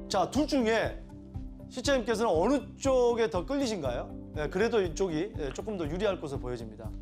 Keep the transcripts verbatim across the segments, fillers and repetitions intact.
자, 둘 중에 시청자님께서는 어느 쪽에 더 끌리신가요? 예, 그래도 이쪽이 예, 조금 더 유리할 것으로 보여집니다.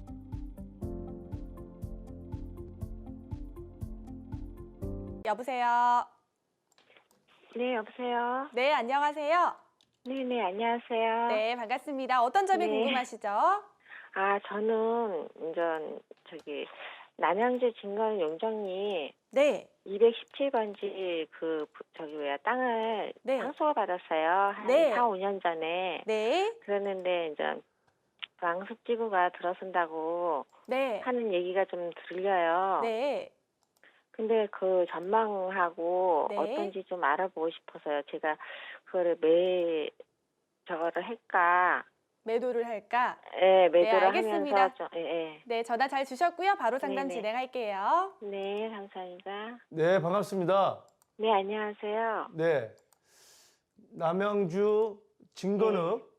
여보세요. 네, 여보세요. 네, 안녕하세요. 네네, 안녕하세요. 네, 반갑습니다. 어떤 점이 네. 궁금하시죠? 아, 저는 이제 저기 남양주 진건 용정리 네, 이백십칠 번지 그 부- 저기 뭐야 땅을 네. 상속을 받았어요. 한 네. 사, 오 년 전에. 네, 그랬는데 이제 왕숙지구가 들어선다고 네, 하는 얘기가 좀 들려요. 네. 근데 그 전망하고 네. 어떤지 좀 알아보고 싶어서요. 제가 그거를 매 저거를 할까? 매도를 할까? 예, 매도를 알겠습니다. 하면서 좀, 예, 예. 네, 전화 잘 주셨고요. 바로 상담 네네. 진행할게요. 네, 감사합니다. 네, 반갑습니다. 네, 안녕하세요. 네, 남양주 진건읍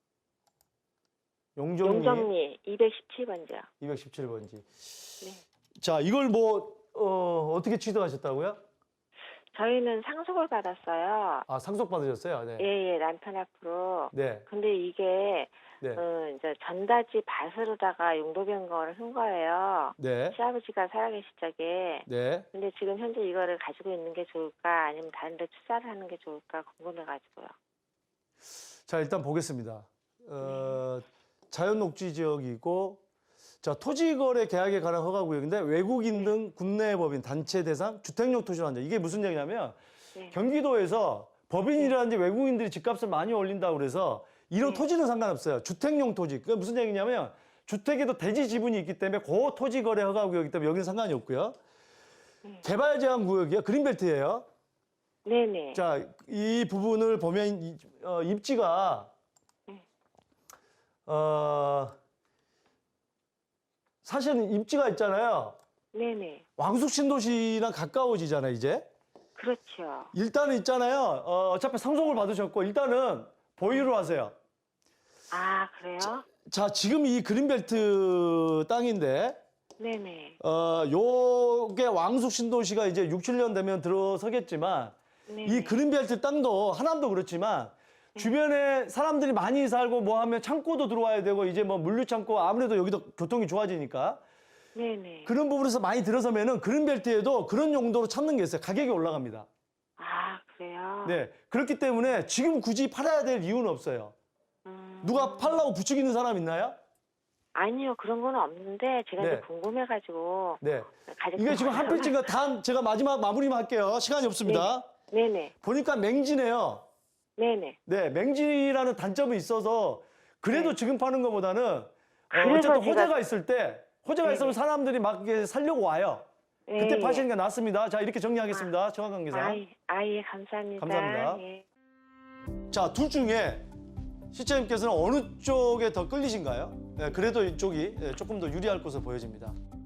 용정리 용정리 이백십칠 번지요. 이백십칠 번지. 네. 자, 이걸 뭐 어, 어떻게 취득하셨다고요? 저희는 상속을 받았어요. 아, 상속 받으셨어요? 네. 예, 예, 남편 앞으로. 네. 근데 이게 네. 어, 이제 전다지 밭으로다가 용도 변경을 한 거예요. 네. 시아버지가 살아계실 적에. 네. 근데 지금 현재 이거를 가지고 있는 게 좋을까 아니면 다른 데 투자를 하는 게 좋을까 궁금해가지고요. 자, 일단 보겠습니다. 어, 자연녹지 지역이고, 자, 토지거래 계약에 관한 허가구역인데 외국인 등 국내 법인, 단체 대상, 주택용 토지로 한다. 이게 무슨 얘기냐면 네. 경기도에서 법인이라든지 외국인들이 집값을 많이 올린다고 그래서 이런 네. 토지는 상관없어요. 주택용 토지. 그게 무슨 얘기냐면 주택에도 대지 지분이 있기 때문에 그 토지 거래 허가구역이기 때문에 여기는 상관이 없고요. 네. 개발 제한 구역이요. 그린벨트예요. 네네. 자, 이 부분을 보면 이, 어, 입지가 네. 어, 사실은 입지가 있잖아요. 네네. 왕숙 신도시랑 가까워지잖아요, 이제. 그렇죠. 일단은 있잖아요. 어, 어차피 상속을 받으셨고 일단은 보유를 하세요. 아, 그래요? 자, 지금 이 그린벨트 땅인데 네네. 어, 요게 왕숙 신도시가 이제 육, 칠 년 되면 들어서겠지만 네네. 이 그린벨트 땅도 하남도 그렇지만 주변에 사람들이 많이 살고 뭐 하면 창고도 들어와야 되고 이제 뭐 물류창고 아무래도 여기도 교통이 좋아지니까 네네. 그런 부분에서 많이 들어서면은 그린벨트에도 그런 용도로 찾는 게 있어요. 가격이 올라갑니다. 아, 그래요? 네. 그렇기 때문에 지금 굳이 팔아야 될 이유는 없어요. 음... 누가 팔라고 부추기는 사람 있나요? 아니요, 그런 건 없는데 제가 네. 이제 궁금해가지고 네. 가족 이게 지금 한 필지가 다 제가 마지막 마무리만 할게요. 시간이 없습니다. 네네. 보니까 맹지네요. 네네. 네, 맹지라는 단점이 있어서 그래도 네. 지금 파는 것보다는 어, 그래서 어쨌든 제가- 호재가 있을 때 호재가 네네. 있으면 사람들이 막 이렇게 살려고 와요. 그때 예, 파시는 게 낫습니다. 자, 이렇게 정리하겠습니다. 정확한 예. 계산. 아이, 아예 감사합니다. 감사합니다. 예. 자, 둘 중에 시청자님께서는 어느 쪽에 더 끌리신가요? 예, 그래도 이쪽이 예, 조금 더 유리할 것으로 보여집니다.